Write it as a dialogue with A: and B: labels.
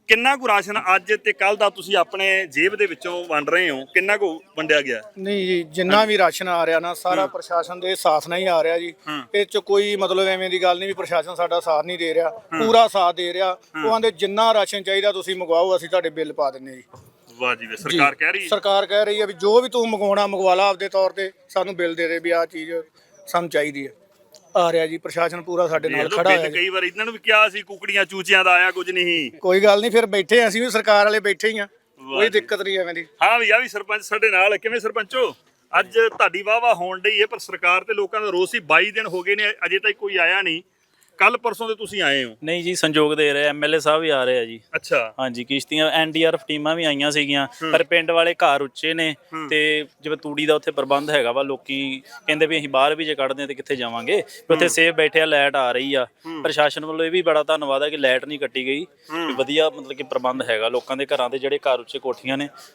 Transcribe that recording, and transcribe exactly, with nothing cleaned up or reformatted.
A: ਕਿੰਨਾ ਕੁ ਰਾਸ਼ਨ ਅੱਜ ਤੇ ਕੱਲ ਦਾ ਤੁਸੀਂ ਆਪਣੇ ਜੇਬ ਦੇ ਵਿੱਚੋਂ ਵੰਡ ਰਹੇ ਹੋ, ਕਿੰਨਾ ਕੁ ਵੰਡਿਆ ਗਿਆ?
B: ਨਹੀਂ ਜੀ, ਜਿੰਨਾ ਵੀ ਰਾਸ਼ਨ ਆ ਰਿਹਾ ਨਾ ਸਾਰਾ ਪ੍ਰਸ਼ਾਸਨ ਦੇ ਸਾਥ ਨਾਲ ਹੀ ਆ ਰਿਹਾ ਜੀ। ਇਹ ਚ ਕੋਈ ਮਤਲਬ ਐਵੇਂ ਦੀ ਗੱਲ ਨਹੀਂ ਵੀ ਪ੍ਰਸ਼ਾਸਨ ਸਾਡਾ ਸਾਥ ਨਹੀਂ ਦੇ ਰਿਹਾ, ਪੂਰਾ ਸਾਥ ਦੇ ਰਿਹਾ। ਉਹ ਆਂਦੇ ਜਿੰਨਾ ਰਾਸ਼ਨ ਚਾਹੀਦਾ ਤੁਸੀਂ ਮੰਗਵਾਓ, ਅਸੀਂ ਤੁਹਾਡੇ ਬਿੱਲ ਪਾ ਦਿੰਨੇ ਜੀ।
A: ਵਾਹ ਜੀ ਵਾਹ, ਸਰਕਾਰ ਕਹਿ ਰਹੀ ਹੈ।
B: ਸਰਕਾਰ ਕਹਿ ਰਹੀ ਹੈ ਵੀ ਜੋ ਵੀ ਤੂੰ ਮੰਗਵਾਉਣਾ ਮੰਗਵਾ ਲਾ ਆਪਦੇ ਤੌਰ ਤੇ, ਸਾਨੂੰ ਬਿੱਲ ਦੇ ਦੇ ਵੀ ਆਹ ਚੀਜ਼ ਸਾਨੂੰ ਚਾਹੀਦੀ ਹੈ। ਆ ਰਿਹਾ ਜੀ ਪ੍ਰਸ਼ਾਸਨ ਪੂਰਾ ਸਾਡੇ ਨਾਲ ਖੜਾ ਹੋਇਆ।
A: ਕਈ ਵਾਰ ਇਹਨਾਂ ਨੂੰ ਵੀ ਕਿਹਾ ਸੀ ਕੁਕੜੀਆਂ ਚੂਚਿਆਂ ਦਾ ਆਇਆ ਕੁਝ ਨਹੀਂ।
B: ਕੋਈ ਗੱਲ ਨਹੀਂ, ਫਿਰ ਬੈਠੇ ਅਸੀਂ ਵੀ ਸਰਕਾਰ ਵਾਲੇ ਬੈਠੇ ਹੀ ਆ, ਕੋਈ ਦਿੱਕਤ ਨਹੀਂ ਐਵੇਂ ਦੀ।
A: ਹਾਂ ਵੀ ਆ ਵੀ ਸਰਪੰਚ ਸਾਡੇ ਨਾਲ। ਕਿਵੇਂ ਸਰਪੰਚੋ, ਅੱਜ ਤੁਹਾਡੀ ਵਾਹ ਵਾਹ ਹੋਣ ਡਈ ਹੈ, ਪਰ ਸਰਕਾਰ ਤੇ ਲੋਕਾਂ ਦਾ ਰੋਸ ਸੀ। ਬਾਈ ਦਿਨ ਹੋ ਗਏ ਨੇ, ਅਜੇ ਤੱਕ ਕੋਈ ਆਇਆ ਨਹੀਂ। ਕੱਲ ਪਰਸੋਂ ਦੇ ਤੁਸੀਂ ਆਏ ਹੋ?
C: ਨਹੀਂ ਜੀ, ਸੰਯੋਗ ਦੇ ਰਹੇ, ਐਮਐਲਏ ਸਾਹਿਬ ਵੀ ਆ ਰਹੇ ਆ ਜੀ।
A: ਅੱਛਾ।
C: ਹਾਂਜੀ, ਕਿਸ਼ਤੀਆਂ ਐਨਡੀਆਰਐਫ ਟੀਮਾਂ ਵੀ ਆਈਆਂ ਸੀਗੀਆਂ, ਪਰ ਪਿੰਡ ਵਾਲੇ ਘਰ ਉੱਚੇ ਨੇ ਤੇ ਜਿਵੇਂ ਤੂੜੀ ਦਾ ਉੱਥੇ ਪ੍ਰਬੰਧ ਹੈਗਾ ਵਾ, ਲੋਕੀ ਕਹਿੰਦੇ ਵੀ ਅਸੀਂ ਬਾਹਰ ਵੀ ਜੇ ਕੱਢਦੇ ਤੇ ਕਿੱਥੇ ਜਾਵਾਂਗੇ, ਉੱਥੇ ਸੇਫ ਬੈਠੇ ਆ, ਲਾਈਟ ਆ ਰਹੀ ਆ। ਪ੍ਰਸ਼ਾਸਨ ਵੱਲੋਂ ਇਹ ਵੀ ਬੜਾ ਧੰਨਵਾਦ ਹੈ ਕਿ ਲਾਈਟ ਨਹੀਂ ਕੱਟੀ ਗਈ, ਵਧੀਆ ਮਤਲਬ ਕਿ ਪ੍ਰਬੰਧ ਹੈਗਾ ਲੋਕਾਂ ਦੇ ਘਰਾਂ ਦੇ ਜਿਹੜੇ ਘਰ ਉੱਚੇ ਕੋਠੀਆਂ ਨੇ